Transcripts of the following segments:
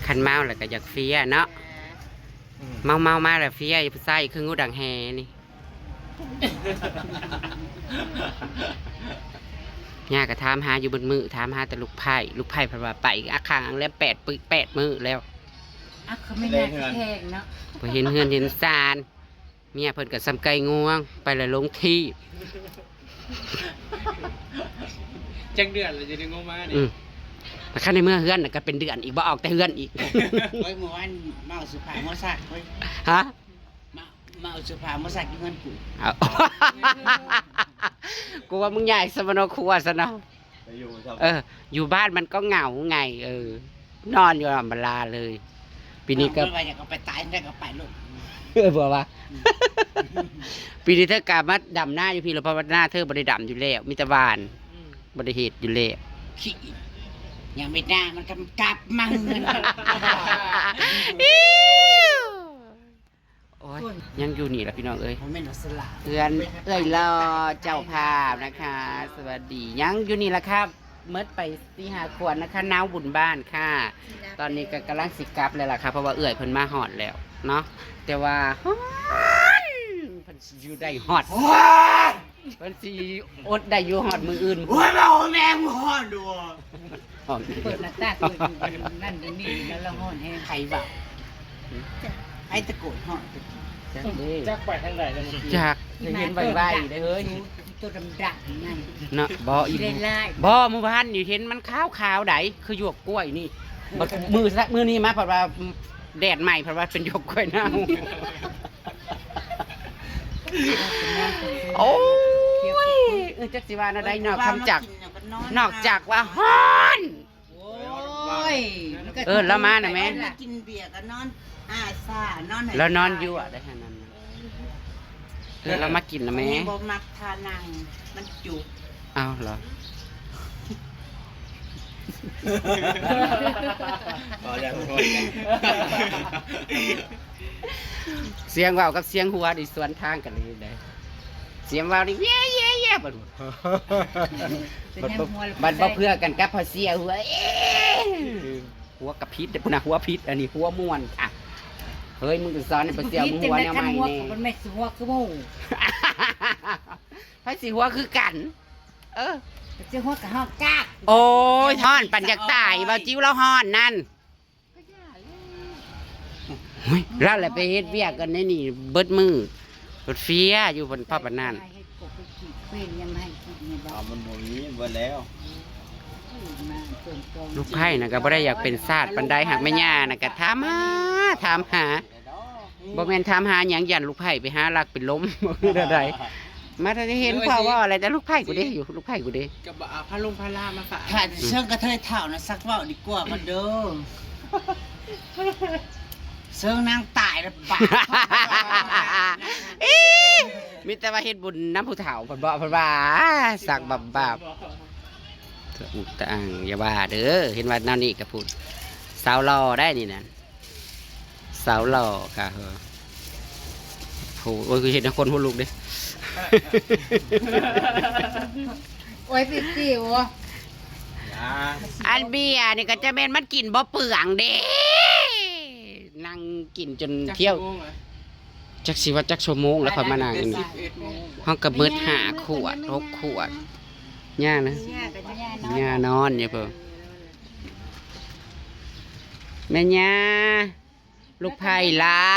คันเมาแล้วก็อยากเฟียเนาะเมามาแล้วเฟียผู้ชายคืองูดังแฮนี่ย่าก็ถามหาอยู่บนมือถามหาแต่ลูกไผ่เพราะว่าไปอาคางแล้ว8 มื้อแล้วเขาไม่น่าแข่งเนาะพอเห็นเฮือนเห็นซานเมียเพิ่นก็ซ้ำไก่งวงไปแล้วลงที่จังเดือนเลยจะได้งงมาเนี่ยแต่ข้าในเมื่อเฮือนก็เป็นเดือนอีกบ่ออกแต่เฮือนอีกเฮ้ยเมื่อวานมาเอาสุภาพมาสักเฮ้ยฮะมาเอาสุภาพมาสักกินเงินกูกูว่ามึงใหญ่สมโนครัวซะเนาะอยู่บ้านมันก็เหงาไงนอนอยู่ลำบลาเลยปีนี้ก็อยากเอาไปตายได้ก็ไปลูกบอกว่าปีนี้เธอกลับมาดำหน้าอยู่พี่เราเพราะว่าหน้าเธอบริดำอยู่แล้วมิตรบานบริเหตุอยู่แล้วขี้ยังไม่ได้มันกลับมั่งเงินโอ้ยยังอยู่นี่แหละพี่น้องเอ้ยเอื้อนรอเจ้าภาพนะคะสวัสดียังอยู่นี่แหละครับเมื่อไป4-5 ขวดนะคะน้าบุญบ้านค่ะตอนนี้ก็กำลังสิกลับเลยล่ะค่ะเพราะว่าเอื้อยเพิ่นมาหอดแล้วเนาะแต่ว่าเพิ่นอยู่ได้หอดเพิ่นสิอดได้อยู่หอดมืออื่นโอ้ยเราแม่งหอดดูเปิดหน้าตาเปิดนั่นนี่แล้วเราหอดให้ใครบ่าไอ้ตะโกนหอดจักไปทางไหนเลยจากเห็นใบได้เฮ้ยตัวดำนั่นเนาะบ่อีบ่เมื่อวานอยู่เห็นมันขาวใดคือหยวกกล้วยนี่มือนี้มาเพราะว่าแดดใหม่เพราะว่าเป็นหยวกกล้วยเน่าโอ้ยจักสิว่าอะไรนอกจากว่าฮ้อนแล้วมาหน่อยแม่กินเบียร์ก็นอนซ่านอนแล้วนอนอยู่ได้ขนาดนั้นเรามากินนะแม่บ่มักทานังมันจุกอ้าวเหรอเสียงว่าวกับเสียงหัวดิสวนทางกันเลยได้เสียงว่าวดิเย่เย่เย่บัดบ่เพื่อกันกับพอเสียหัวกับพิษแต่พุ่นน่ะหัวพิษอันนี้หัวม่วนค่ะเฮ้ยมึงจะสอนให้พอเสียมึงหัวแนวใหม่นี่มันไม่หัวคือหมู่พอสิหัวคือกันสิหัวกับฮอกกากโอ้ยฮ้อนปั่นจากตายบ่จิ้วแล้วฮ้อนนั่นเฮ้ยแล้วแหละไปเฮ็ดเวียกกันในนี่เบิดมือรถเฟียอยู่บนพ่อปานนั้นมันบ่มีเบิดแล้วลูกไผ่น่ะก็บ่ได้อยากเป็นศาสตร์ปานใดหากแม่ย่าน่ะก็ถามหาบ่แม่นถามหาหยังยันลูกไผ่ไปหาลักเป็นล้มบ่คือใดมาถ้าได้เห็นพ่อว่าอะไรแต่ลูกไผ่กูเด้อยู่ลูกไผ่กูเด้กับพาลงพาลามาฝากถ้าเชิงกระเทยเท่านะซักเว้าดีกว่ามันเด้อเชิงนางตายแล้วบามีแต่ว่าเฮ็ดบุญน้ำผู้เฒ่าเพิ่นบอกเพิ่นว่าสักบาปอุกต่างอย่าว่าเด้อเห็นว่าแนวนี้ก็พูดสาวหล่อได้นี่นั่นสาวหล่อค่ะโอ้ยคือเห็นคนหัวลุกเด้โอ้ยปิวอันเบียนี่ก็จะเป็นมันกินบ่เปลืองเด้นั่งกินจนเที่ยวจักสิว่าจักชั่วโมงแล้วค่อยมานั่งนี่ห้องกับมืด5 ขวด6 ขวดย่านะย่านอนเนี่ยเพิ่นแม่ย่าลูกไผ่ลา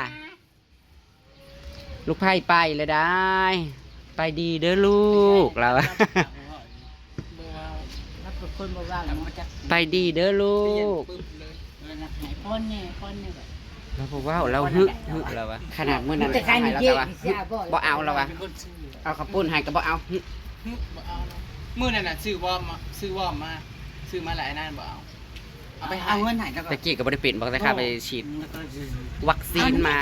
ลูกไผ่ไปเลยได้ไปดีเด้อลูกเราไปดีเด้อลูกเราบอกว่าเราฮึเราวะขนาดเมื่อนั้นให้เราแต่ว่าบ่เอาเราวะเอาข้าวปุ้นให้ก็บ่เอามื้อนั้นน่ะซื้อวอร์มมาซื้อมาหลายนั่นบ่เอาไปเอาเงินไหนแล้วก็ตะกี้ก็บ่ได้เป็นบอกแต่ข้าไปฉีดวัคซีนมา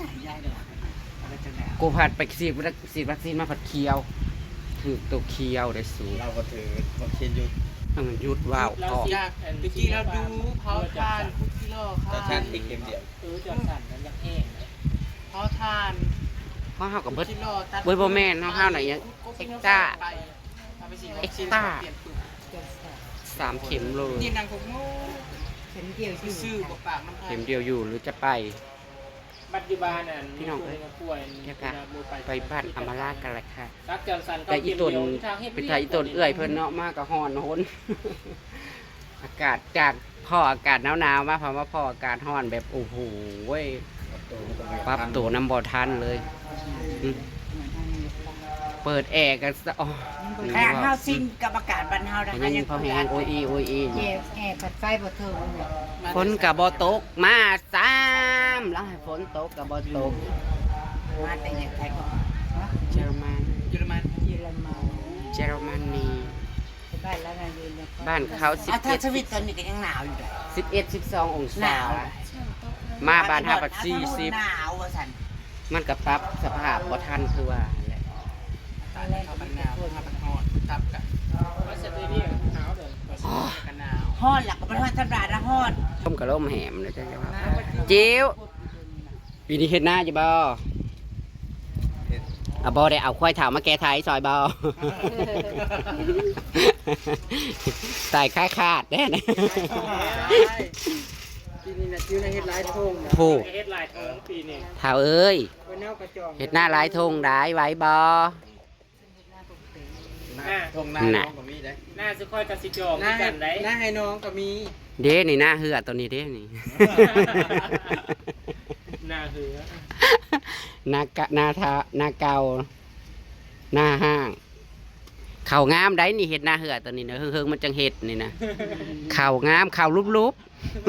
กูผัดไปฉีดวัคซีนมาผัดเคียวถือตัวเคียวได้สูงเราก็ถือวัคซีนหยุดหยุดว้าวออกตะกี้เราดูเผาทานคุกกิโลค่ะทานอีกเข็มเดียวจะสั่นกันยังแห้งเผาทานเพราะเฮากับเบิดบ่แม่นเฮาหน่อยยังเอ็กต้า3 เข็มเลยนี่นางคงโง่เข็มเดียวซื่อๆบ่ปากน้ำเข็มเดียวอยู่หรือจะไปปัจจุบันน่ะพี่น้องเอ้ยป่วยเนี่ยค่ะไปบ้านอำมาลากันเลยค่ะรักจันสันแต่อีตนไปถ่ายอีตนเอื้อยเพิ่นเนาะมากกับฮ้อนโหน อากาศจากพ่ออากาศหนาวๆมาพอมาพ่ออากาศฮ้อนแบบโอ้โหเว้ยปรับตัวน้ำบ่ทันเลยอืมเปิดแอร์กันซะอ๋อแค่ข้าวสิ้นกับอากาศบ้านเฮานะคะยังพอแห้งโอ้ยอีโอ้ยอีแอร์ผัดไฟบ่เทิงฝนกับบ่ตกมาซ้ำแล้วให้ฝนตกกับบ่ตกมาแต่ยังไทยก็เยอรมันเยอรมันเยอรมันเยอรมนีบ้านแล้วนะยืนแล้วบ้านเขาถ้าสวิตตอนนี้ก็ยังหนาวอยู่เลย 11 12 องหศานาวมาบ้านเฮาก็หนาวว่าซั่น 40มันก็ปรับสภาพบ่ทันคือว่าแหละตอนแรกเขาบันหนาวเขาบันฮอดตับกันว่าสเตเดียหนาวเลยกันหนาวฮ้อนหลักก็บ่ฮ้อนธรรมดานะฮ้อนต้มกะล่มแหมเลยจ้ะว่าจิ๋วปีนี้เฮ็ดหน้าอยู่บ่อ่ะบ่ได้เอาควายเถามาแก้ไทยซอยบ่ ตายค่าขาดแน่นะปีนี้นะชื่อในเฮ็ดหลายทงถูกเฮ็ดหลายทงปีนี้เถาเอ้ยไว้แนวกระจองเฮ็ดหน้าหลายทงได้ไว้บ่ทงหน้าน้องก็มีได้หน้าสุค่อยกับสิจองกันได้หน้าให้น้องก็มีเด้นี่หน้าเหือตัวนี้เด้นี่หน้าเหือหน้ากะหน้าทาหน้าเก่าหน้าห้างเข่างามได้นี่เห็ดหน้าเหือตัวนี้นะเฮิงๆมันจังเห็ดนี่นะเข่างามเข่าลุบ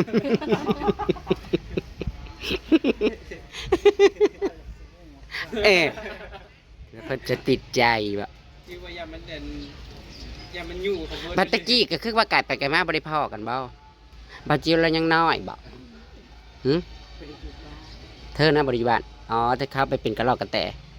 ๆ เอ๊ะแล้วเพิ่นจะติดใจบ่คือว่าอย่ามันเด่นอย่ามันอยู่ของบัดตะกี้ก็คือว่าไก่ไปไก่มาบ่ได้พอกันบ่บาจิวเรายังน้อยบ่หึเธอนะบริบาลอ๋อเธอเข้าไปเป็นกระรอกกระแต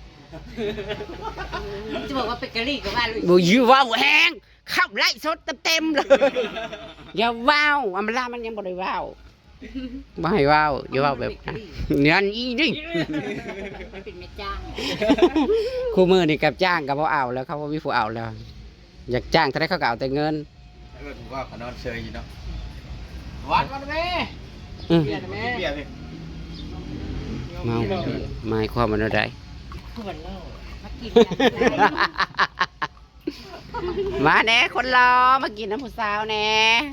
จะบอกว่าเป็นกะลี่ก็ว่าลุยบูยืว้าวแหงเข้าไล่สดเต็มๆเลย อย่าว้าวอัมลามันยังบ่ได้ว้าวบ่ให้ว้าวอย่าว้าวแบบนั้นนั่นอีนี่เป็นแม่จ้างคู่มือนี่กับจ้างกับบ่เอาแล้วเขาบ่มีผู้เอาแล้ว อยากจ้างเท่าไดเขาก็เอาแต่เงินผมว่าขนอนเชยอยู่เนาะวัดแม่อือเบียร์แม่เบียร์พี่เมาหมายความว่าไดขวดเหล้ามากินมาแหน่คนรอมากินน้ำผู้สาวแหน่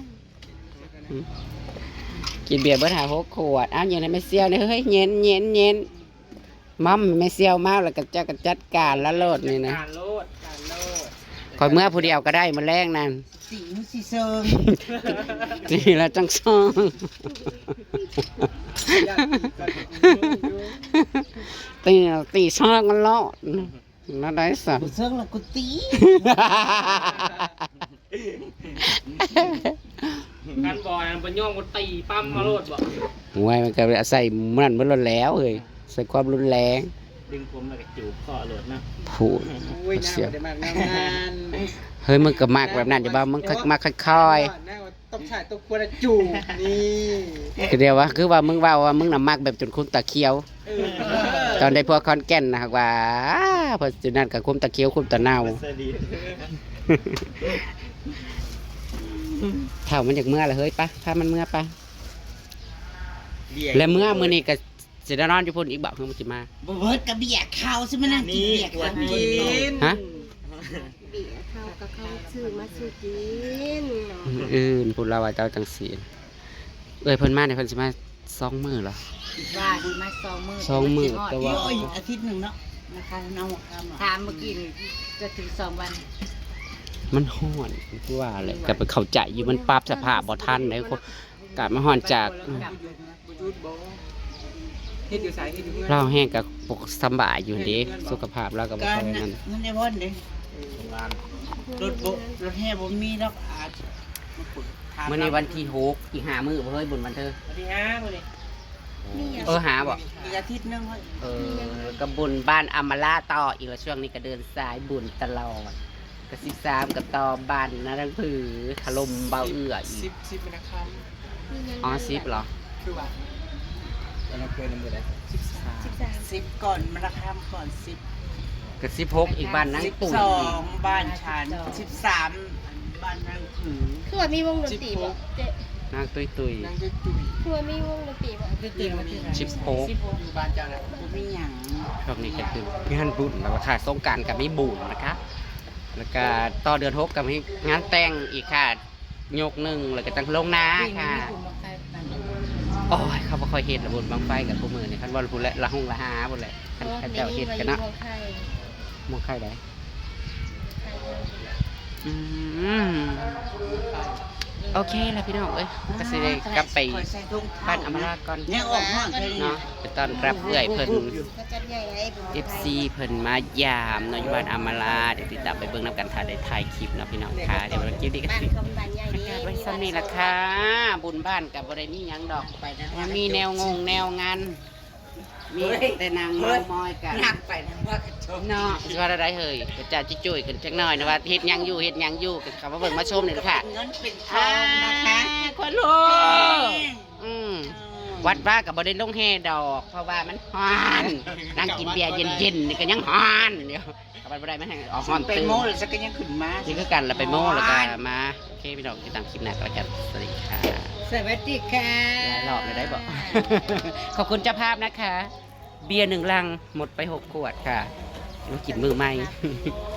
กินเบียร์เบิดหา6 ขวดอ้าวยังไงไม่เซียวเนี่ยเฮ้ยเย็นมัมไม่เซียวมากแล้วก็จะจัดการละโลดนี่นะการโลดคอยเมื่อผู้เดียวก็ได้มาแรงนั่นสีสีเซิงนี่ละจังซองตีซองกันลอดน่าได้สักกูเซิงละกูตีการบอลมันย่องมันตีปั้มมาโลดบ่หวยมันก็ใส่มันมันรุนแล้วเลยใส่ความรุนแรงดึงผมแล้วก็จูบคอโลดนะผูดอุ้ยน่าเสียจะมากนานเฮ้ยมึงก็มากแบบนั้นอย่าบ้ามึงมากค่อยน่าต้องใช้ต้องควรจูบนี่ๆคือเดียวว่าคือว่ามึงว่ามึงน่ะมากแบบจนคุ้มตาเคียว ตอนได้พวกคอนแก่นนะครับว่าพอจุดนั้นกับคุ้มตาเคียวคุ้มตาเน่าเท่ามันจากเมื่อละเฮ้ยปะพามันเมื่อปะแล้วเมื่อนี่ก็สิได้นอนอยู่พุ่นอีกบ่เพิ่งมันสิมาบ่เบิดกับเบียร์ข้าวซิมานั่งกินเบียร์ข้าวกินฮะเบียร์เขาก็เขาซื้อมาซื้อกินพูดเราว่าเจ้าจังสีเอ้ยเพิ่นมาเนี่ยเพิ่นสิมา2 มื้อเหรอว่าดีมา2 มื้อ 2 มื้อแต่ว่าโอ้ยอาทิตย์หนึงเนาะนะคะน้องถามเมื่อกี้นี่จะถึง2 วันมันฮ้อนคือว่าเลยก็ไปเข้าใจอยู่มันปรับสภาพบ่ทันเลยคนกลับมาฮ้อนจากจูดบ่เฮ็ดอยู่ไสเฮ็ดอยู่เมืองเราแห้งกับปกสำบายอยู่เด้สุขภาพเราก็บ่การค่อยนั่นเงินในพ่นเด้รถแห่บ่มีดอกอาจมื้อนี้วันที่6อีก5 มื้อบ่เฮ้ยบุญวันเธอวันที่5มื้อนี้หาบ่อีกอาทิตย์หนึงเฮ้ยก็บุญบ้านอำมาลาต่ออีกแล้วช่วงนี้ก็เดินสายบุญตลอดก็13ก็ต่อบ้านนารังผือถล่มเบาเอื้ออีก 10เป็นคำอ๋อ10เหรอคือว่าแล้วเราเคยนำมือได้13 10ก่อนมาราคามก่อน10 ก็16อีกบ้านนางตุ๋ย 12บ้านฉัน13บ้านนางผือคือว่ามีวงดนตรีบ่เจ๊นางตุยนางจุยทัวมีวงดนตรีบ่ตื่นมาที่ชิปโป๊อยู่บ้านเจ้าน่ะบ่มีหยังช่วงนี้ก็คืองานบุญแล้วค่ะสงกรารกับไม่บุญนะคะแล้วก็ต่อเดือน6กับมีงานแต่งอีกค่ะยกหนึ่งแล้วก็ตั้งลงนาปีนี้ค่ะมีคุณมาใครนั่นโอ้ยเขาบ่ค่อยเห็นระบุญบางไฟกับพวกมือนี่คันว่าพูดและละหงละหาหมดเลยคันเขาเจ้าเห็นกันเนาะไทยมองใครได้อืมโอเคแล้วพี่น้องเอ้ยก็สิได้กลับไปใส่ถุงบ้านอมราก่อนยังออกห้องแค่นี้เนาะไปต้อนรับเอื้อยเพิ่นก็จัดใหญ่ไอ้บุญ FC เพิ่นมายามเนาะอยู่บ้านอมราเดี๋ยวติดตามไปเบิ่งนํกันถ้าได้ถ่ายคลิปเนาะพี่น้องค่ะเดี๋ยววันคลิปนี้ก็บ้านสิคำบ้านใหญ่ประกาศไว้ซ้ำนี่ล่ะค่ะบุญบ้านกับบ่ได้มีหยังดอกไปนะยังมีแนวงงแนวงานมีแต่นางเมามอยกันนักไปนะว่ากระชมเนาะสิว่าอะไรเฮ้ยกระจาจิจุ้ยกันจักหน่อยนะว่าเฮ็ดหยังอยู่เฮ็ดหยังอยู่กันคำว่าเบิ่งมาชมนี่ล่ะค่ะเงินเป็นทองนะคะคนลูกวัดว่ากับบ่ได้ลงแห่ดอก เพราะว่ามันฮ้อนนั่งกินเบียร์เย็นๆนี่ก็ยังฮ้อนเดี๋ยวกับบ่ได้มาให้ออกฮ้อนไปตื่นโม่หรือสักก็ยังขึ้นมานี่คือกันแล้วไปโม่แล้วก็มาโอเคพี่น้องติดตามคลิปหน้าก็แล้วกันสวัสดีค่ะสวัสดีค่ะหลายรอบเลยได้บอก ขอบคุณเจ้าภาพนะคะ เบียร์1 ลังหมดไป6 ขวดค่ะมากินมือใหม่